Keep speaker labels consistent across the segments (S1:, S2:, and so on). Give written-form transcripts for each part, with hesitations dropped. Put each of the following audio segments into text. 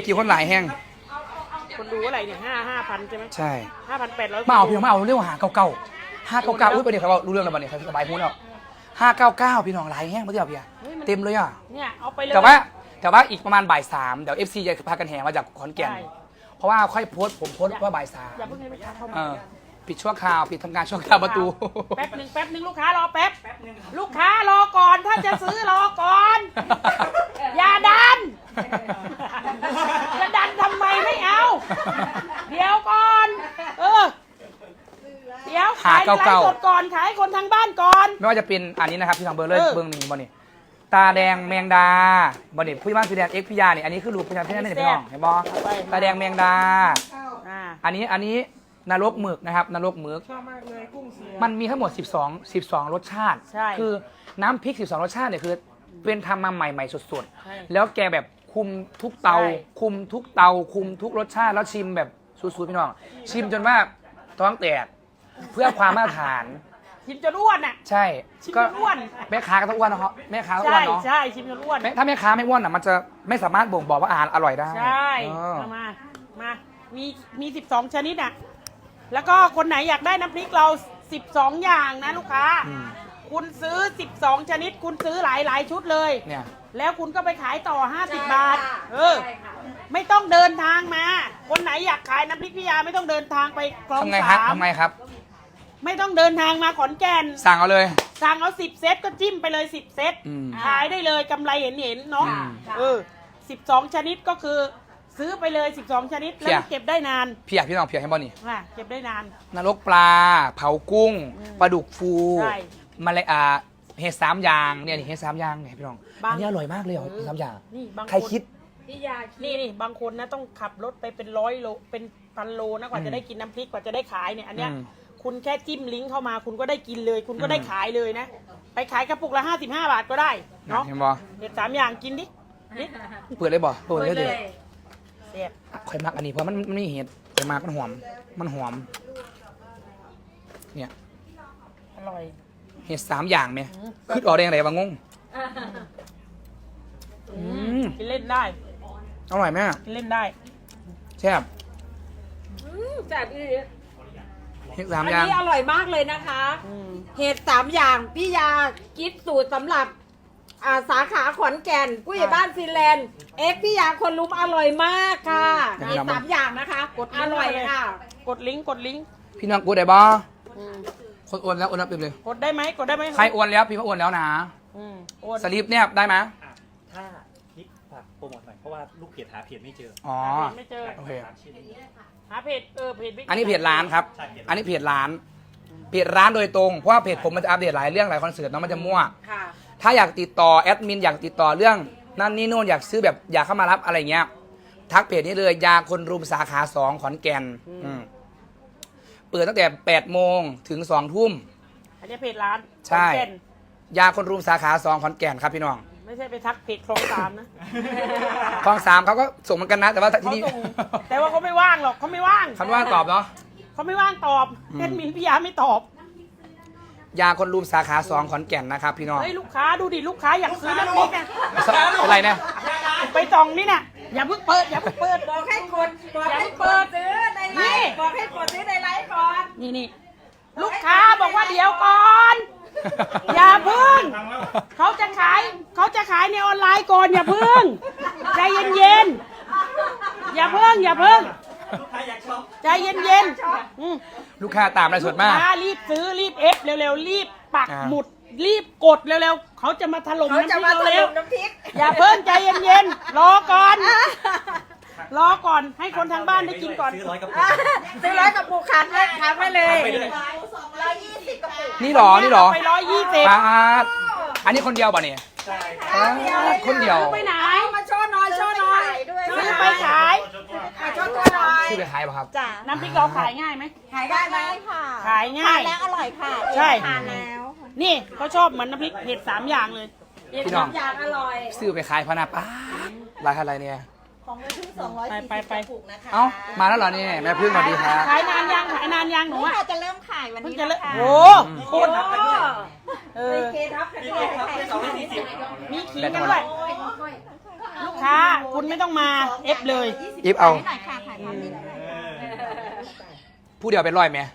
S1: กี่คนหลายแห้ง
S2: คนดูอะไรเนี่ย5,000ใช่ไหม
S1: ใช่
S2: 5,800
S1: มาเอาพี่น้องมาเอาเรื่อง599อุ้ยประเดี๋ยวเขาบอกรู้เรื่องแล้วบัดนี้เขาสบายพูดแล้ว599พี่น้องหลายแห้งมาเดียวพี่เต็มเลยอ่ะ
S2: เนี่ยเอาไปเลย
S1: แต่ว่าอีกประมาณบ่าย3เดี๋ยว FC จะพากันแห่มาจากขอนแก่นเพราะว่าค่อยโพสผมโพสว่าบ่าย3
S2: อย่าเพิ่งให้ลูกค้าเข้ามา
S1: ปิดชั่วคราวปิดทำการชั่วคราวประตู
S2: แป๊บหนึ่งลูกค้ารอแป๊บลูกค้ารอก่อนถ้าจะซื้อรอก่อนอย่าดันจะดันทำไมไม่เอาเดี๋ยวก่อนเดี๋ยวขายไลฟ์สดก่อนขายคนทางบ้านก่อน
S1: ไม่ว่าจะเป็นอันนี้นะครับที่ทางเบอร์เลยเบอร์หนึ่งบอลนี่ตาแดงแมงดาบอลนี่ผู้ใหญ่บ้านสีแดงเอ็กพิยาเนี่ยอันนี้คือรูปพญาพี่นั่นนี่พี่น้องเห็นบอตาแดงแมงดาอันนี้นรกหมึกนะครับนรกหมึก
S2: ชอบมากเลยกุ้งเสีย
S1: มันมีทั้งหมด12รสชาติคือน้ำพริก12รสชาติเนี่ยคือเป็นทำมาใหม่ๆสดๆแล้วแกแบบคุมทุกเตาคุมทุกรสชาติแล้วชิมแบบสุดๆพี่น้องชิมจนว่าท้องแตกเพื่อความมาตรฐาน
S2: ชิมจนอ้วนอ่ะ
S1: ใช่
S2: ก็อ้วน
S1: แม่ค้าก็ต้องอ้วนนะครับแม่ค้าต้องอ้วนเนาะ
S2: ใช่ชิมจนอ้วน
S1: ถ้าแม่ค้าไม่อ้วนอ่ะมันจะไม่สามารถบ่งบอกว่าอาหารอร่อยได้
S2: ใช่มามี12ชนิดอ่ะแล้วก็คนไหนอยากได้น้ำพริกเรา12อย่างนะลูกค้าคุณซื้อ12ชนิดคุณซื้อหลายชุดเลย
S1: เนี่ย
S2: แล้วคุณก็ไปขายต่อ50 บาทไม่ต้องเดินทางมาคนไหนอยากขายน้ำพริกพิยาไม่ต้องเดินทางไปคลอง3
S1: ทำไงครับ
S2: ไม่ต้องเดินทางมาขอนแก่น
S1: สั่งเอาเลย
S2: สั่งเอา10 เซตก็จิ้มไปเลย10 เซตขายได้เลยกำไรเห็นเนาะ12ชนิดก็คือซื้อไปเลย12ชนิดแล้วเก็บได้นาน
S1: พี่น้องให้บอลนี่
S2: เก็บได้นาน
S1: นรกปลาเผากุ้งปลาดุกฟูมาเลยเห็ด3อย่างเนี่ยเห็ด3อย่างเนี่ยพี่น้องอันนี้อร่อยมากเลยเหรอเห็ด3อย่างใครคิด
S2: นี่บางคนนะต้องขับรถไปเป็น100 โลเป็น1,000 โลนะกว่าจะได้กินน้ำพริกกว่าจะได้ขายเนี่ยอันเนี้ยคุณแค่จิ้มลิงก์เข้ามาคุณก็ได้กินเลยคุณก็ได้ขายเลยนะไปขายกระปุกละ55 บาทก็ได้เนาะเห็ด3อย่างกินดิ
S1: เปิดเลยบ่เปิดเลยข่อยมักอันนี้เพราะมันไม่เห็ดข่อยมักมันหอมเนี่ย
S2: อร่อย
S1: เห็ด3อย่างไหมคือออกแดงอะไรบางง
S2: กินเล่นได้
S1: อร่อยไหม
S2: กินเล่นได้
S1: แซ่บ
S3: แซ่บอี
S1: เห็ด3อย่าง
S3: อันนี้อร่อยมากเลยนะคะเห็ด3อย่างพี่ยาคิดสูตรสำหรับสาขาขอนแก่นผู้ใหญ่บ้านฟินแลนด์พี่ยาคนลุมอร่อยมากค่ะเห็ด3อย่างนะคะอร่อยค่ะ
S2: กดลิงก์
S1: พี่น้องกดได้บ่คนโอนแล้วเต็มเลย
S2: กดได้ไหม
S1: ใครโอนแล้วพี่ว่าโอนแล้วนะสลิปเนี่ยได้ไหม
S4: ถ้านิกฝากโปรโมทหน่อยเพราะว่าลูกเพจหาเพจไม่เจอ
S2: ไม่เจอ
S1: โอเค
S2: หาเพจ
S1: อันนี้เพจร้านครับอันนี้เพจร้านโดยตรงเพราะว่าเพจผมมันจะอัปเดตหลายเรื่องหลายคอนเสิร์ตน้องมันจะมั่วถ้าอยากติดต่อแอดมินอยากติดต่อเรื่องนั่นนี่นู่นอยากซื้อแบบอยากเข้ามารับอะไรเงี้ยทักเพจนี้เลยยาคนรุมสาขา2ขอนแก่นเปิดตั้งแต่8 โมงถึง2 ทุ่ม
S2: อันนี้เพจร้าน
S1: ใช่ยาคนรุมสาขา2ขอนแก่นครับพี่น้อง
S2: ไม่ใช่ไปทักเพจคลอง3นะ
S1: คลอง3เขาก็ส่งเหมือนกันนะแต่ว่าที่นี่
S2: แต่ว่าเขาไม่ว่างหรอกเขาไม่ว่าง
S1: เขาว่างตอบเนาะ
S2: เขาไม่ว่างตอบแอดมินพี่ยาไม่ตอบ
S1: ยาคนรุมสาขา2ขอนแก่นนะครับพี่น้อง
S2: ลูกค้าดูดิลูกค้าอยากซื้อน้ำพริกนะ
S1: เป็นไรเนี่ย
S2: ไปจองนี่น่ะอย่าเพิ่งเปิด
S3: บอกให้กดซื้อในไลฟ์บอกให้กดซื้อในไลฟ์ก่อน
S2: นี่ลูกค้าบอกว่าเดี๋ยวก่อนอย่าเพิ่งเขาจะขายในออนไลน์ก่อนอย่าเพิ่งใจเย็นอย่าเพิ่งใจเย็น
S1: ลูกค้าตามอะไรสดมาก
S2: รีบซื้อรีบเอฟเร็วๆรีบปักหมุดรีบกดเร็วๆเขาจะมาถล่มน้ำพริกเร็วๆอย่าเพิ่งใจเย็นๆรอก่อนให้คนทางบ้านได้กินก่อน
S4: ซื้อ100 กระ
S3: ปุกขันเลยขันไปเลย
S4: 120 กระปุก
S1: นี่หรอ
S2: ไป120
S1: อันนี้คนเดียวป่ะเนี่ยคนเดียว
S2: ไปไหน
S3: มาโชว์หน่อย
S2: ซื้อไปขาย
S3: โชว์ตัวหน่อย
S1: ซื้อไปขายป่ะครับ
S2: น้ำพริกเราขายง่ายไหม
S3: ขายง่ายค่ะ
S2: ขายง่าย
S3: แล้วอร่อยค่ะ
S2: ใช่
S3: ทานแล้ว
S2: นี่เขาชอบเหมือนน้ำพริกเห็ด3อย่างเลย
S3: เห็ด3อย่างอร่อย
S1: ซื้อไปขายพนับราคาอะไรเนี่ย
S3: ของแม่พึ่ง240 กระปุกนะคะ
S1: เอ้ามาแล้วเหรอนี่แม่พึ่งสวัสดีครับ
S2: ขายนานยังหนู
S3: จะเริ่มขายวันนี้นะคะ
S2: โอ้โคตร
S3: เคทับ
S2: มีขิงกันด้วยลูกค้าคุณไม่ต้องมาเอฟเลย
S1: อิฟเอา
S3: หน่อยค่ะถ่ายภาพนิดนึง
S1: ผู้เดียวเป็นร้อยไหม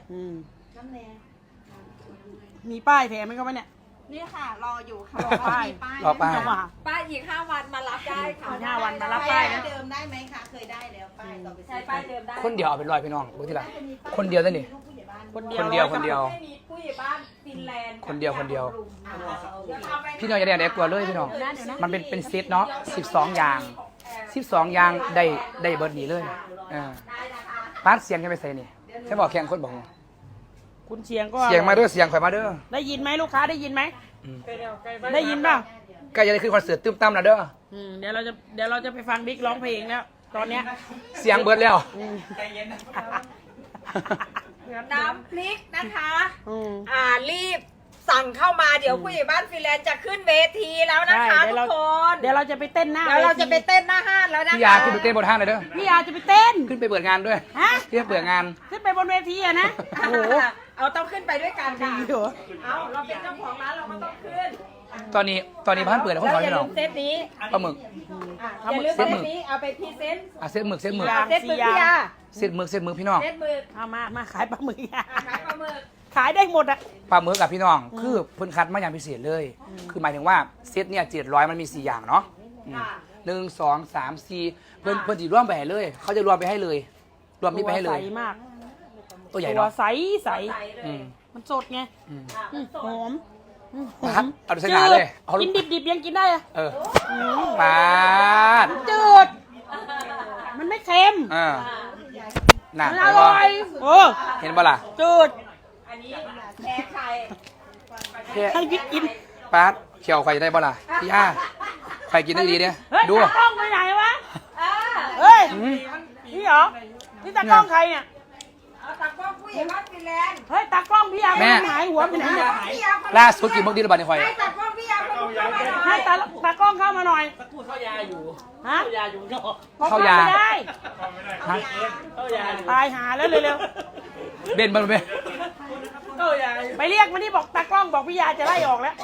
S2: มีป้ายแถมไหมครับเนี่ย
S3: นี่ค่ะ รออยู่ค่ะ
S2: รอป้าย
S1: รอป้าย
S2: เอามา
S3: ป้ายอีก5 วันมารับได้ค่ะ
S2: อีก5 วันมารับป้ายนะ
S5: เดิมได้ไหมคะ เคยได้แล้วป้ายต่อไป
S3: ใช้ป้ายเดิมได้
S1: คนเดียวเอาเป็นร้อยพี่น้องรู้ที่ละคนเดียวได้นี่
S2: คนเดี
S1: ค
S2: ยวน
S1: เดียวคนเดียว
S3: ไม่มีผู้ใหญ่บ้านฟินแลนด์
S1: คนเดียวคนเดียว
S3: ดี๋พาไป
S1: พี่น้องอย่าได้กลัวเลยพี่น้องมันเป็นเซตเนาะ12 อย่าง12 อย่างได้เบิร์ดนี้เลยพาร์ทเสียงกันไปใส่นี่ใช่บอกแข่งคนบอก
S2: คุณเสียงก็
S1: เสียงมาเด้อเสียงข่อยมาเด้อ
S2: ได้ยินไหมลูกค้าได้ยินไหมได้ยินเปล่า
S1: ใกล้จะได้ขึ้นคอนเสิร์ตตื้มตั้มแล้วเด้อ
S2: เดี๋ยวเราจะไปฟังบิ๊กร้องเพลงแล้วตอนเนี้ย
S1: เสียงเบิร์ดแล้ว
S3: น้ำพริกนะคะ
S2: อืม
S3: รีบสั่งเข้ามาเดี๋ยวผู้ใหญ่บ้านฟินแลนด์จะขึ้นเวทีแล้วนะคะ
S2: ใช่
S3: ทุกคน
S2: เดี๋ยวเราจะไปเต้นหน้า
S3: เดี๋ยวเราจะไป
S2: วที
S3: เต้นหน้าห้านแล้วนะคะ
S1: พี่ยาขึ้นไปเต้นบนห้างเลยเด้อ
S2: พี่อาจะไปเต้น
S1: ขึ้นไปเปิดงานด้วย
S2: ฮะ
S1: ขึ้นไปเปิดงาน
S2: ขึ้นไปบนเวทีอะนะโอ้โห
S3: เอาต้องขึ้นไปด้วยกันค่ะ
S2: ดีเหรอ
S3: เอาเราเป็นเจ้าของร้านเราก็ต้องขึ้น
S1: ตอนนี้บ้านเปิดแล้วคน
S3: แล้ว
S1: ถอย
S3: อย่า
S1: พี่น้
S3: ลื
S1: อง
S3: มเซตนี้
S1: ปลาหมึก
S3: อย่าลืมเซตนี้เอาไปพรีเซนต์
S1: เส้นหมึก
S2: อย่าง
S3: เซตมือพี่ยา
S1: เส้นหมึกพี่น้อง
S3: เซตมือ
S2: เอามาขายปลาหมึกอะ
S3: ขายปลาหมึก
S2: ขายได้หมดอะ
S1: ปลาหมึกกับพี่น้อง คือเพิ่นคัดมาอย่างพิเศษเลย คือหมายถึงว่าเซตเนี่ย700มันมี4อย่างเนาะ1 2 3 4เพิ่นจีรวมไปให้เลย เขาจะรวมไปให้เลย รวมนี่ไปให้เลย
S2: ตัวใสมาก
S1: ตัวใหญ่
S2: ตัว
S1: เนาะ
S2: ใส
S3: ใส่เลย
S1: อืม
S2: มันสดไง หอม
S1: ครับเอาดูสง่าเลยเอาลู
S2: กิ
S1: ก
S2: นดิบๆยังกินได้อะ
S1: เออปาด
S2: จืด มันไม่เค็ม
S1: น่ะ
S2: มัน
S1: เห็
S2: อน
S1: บ่
S2: ร่อยโอ้
S1: เห็นบ่ล่ะ
S2: จืด
S3: อันนี้แพ้ไข่
S1: แค่
S2: ให้พี่กิน
S1: ปาดเขียวไข่ได้บ่ล่ะพี่ย่าไข่กินได้ดีเนี่ย
S2: เฮ้ย
S1: ดู
S2: ตากล้องไปไหนวะ
S3: อ่า
S2: เฮ้ย นี่เหรอ นี่ตากล้องใครเนี่ย
S3: เอาตากล้องผู้ใหญ่บ้านฟินแลนด์
S2: เฮ้ย ตากล้องพี่ยา
S1: แม่
S2: หายหัวไปไหนเนี่ย
S3: พี่ยาคน
S1: ล่าสุดกินมื้อดีระบาดในข่อย
S3: ให้ตากล้องพี่ยาคนเข้ามาหน่อย
S2: ให้ตากล้องเข้ามาหน่อย
S4: พูดเข้ายาอยู่
S2: ฮะ
S4: เข้ายาอยู่ก็
S1: เข้ายา
S2: ไม่ได้
S1: ฮะ
S4: เข้ายาอยู่
S2: ตายหาแล้วเร็ว
S1: เบนมันเบน
S4: เข้ายาอยู่
S2: ๆไปเรียกมานี่บอกตากล้องบอกพี่ยาจะไล่ออกแล้ว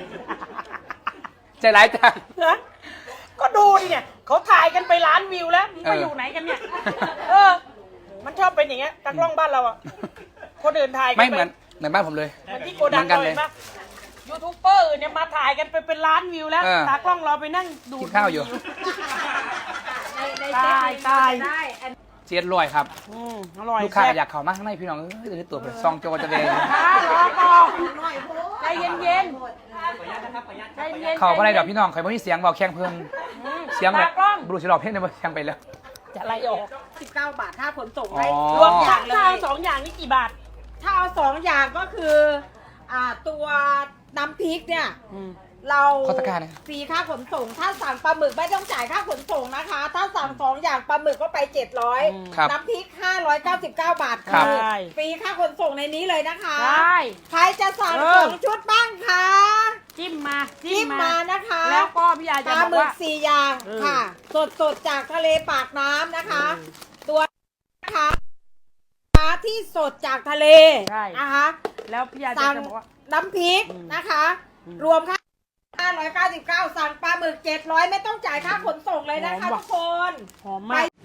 S1: ใจร้ายจัง
S2: ฮะก็ดูดิเนี่ยเขาถ่ายกันไปล้านวิวแล้วมึงไปอยู่ไหนกันเนี่ย เออ มันชอบเป็นอย่างเงี้ยตากล้องบ้านเราอ่ะ คนอื่นถ่ายกั
S1: ไม่
S2: ไป
S1: เหมือนบ้านผมเลย
S2: เหมือนที่โกดัง
S1: เหมือนกัน
S2: เล
S1: เลย
S2: ยปะยูทูบเบอร์เนี่ยมาถ่ายกันไปเป็นล้านวิวแล้ว
S1: เออ
S2: ตากล้องเราไปนั่งดู
S1: กินข้าวอยู่
S3: ในเซตนี้เราจะได้อัน
S1: เจี๊ยดรวยครับ
S2: อร่อย
S1: ลูกค้า
S2: แซ่บ
S1: อยากเข้ามาข้างในพี่น้องเอ้ยตัวเป็นซองโจจะเลย
S2: รอก่อนใจเย็น
S4: ขออนุญาตนะครับขออนุญาต
S2: ๆใจเย็น
S1: เข้ามาในดอกพี่น้องใครไม่มีเสียงบอกแข้งเพิ่นเสียงแบบ
S2: ตากล้อง
S1: บลูชิลล์เพลงเนี่ยมันเสียงไปแล้ว
S2: จะไล่ออก
S3: 19 บาทถ้าขนส่ง
S1: อ๋อ
S3: ให้
S2: รวมอย่างข้าว2 อย่างนี่กี่บาท
S3: ถ้าเอา2 อย่างก็คือตัวน้ำพริกเนี่ยเรา
S1: ขอตะกร้าหน่อย
S3: ฟรีค่าขนส่ง ถ้าสั่งปลาหมึกไม่ต้องจ่ายค่าขนส่งนะคะ ถ้าสั่ง2 อย่างปลาหมึกก็ไป
S1: ครับ
S3: 700น้ำพริก599 บาท
S1: ครั
S3: คื
S1: บ
S3: อฟรีค่าขนส่งในนี้เลยนะคะ
S2: ได้
S3: ใครจะสั่ง
S2: เออ
S3: 2 ชุดบ้างคะ
S2: จิ้มมา
S3: จิ้มมานะคะ
S2: แล้วก็พี่ยา
S3: ป
S2: จะ
S3: ลา
S2: บอก
S3: หมึก
S2: ว่า
S3: 4 อย่าง
S2: เออ
S3: ค่ะ สดจากทะเลปากน้ำนะคะ ตัวนะคะที่สดจากทะเล
S2: ใช่
S3: นะคะ
S2: แล้วพี่ยาจะ
S3: สั่ง
S2: บอกว่า
S3: น้ำพริกนะคะ รวมค่า599 สั่งปลาหมึก700 ไม่ต้องจ่ายค่าขนส่งเลยนะคะ
S2: หอมว่ะ
S3: ทุกคน
S2: หอมมาก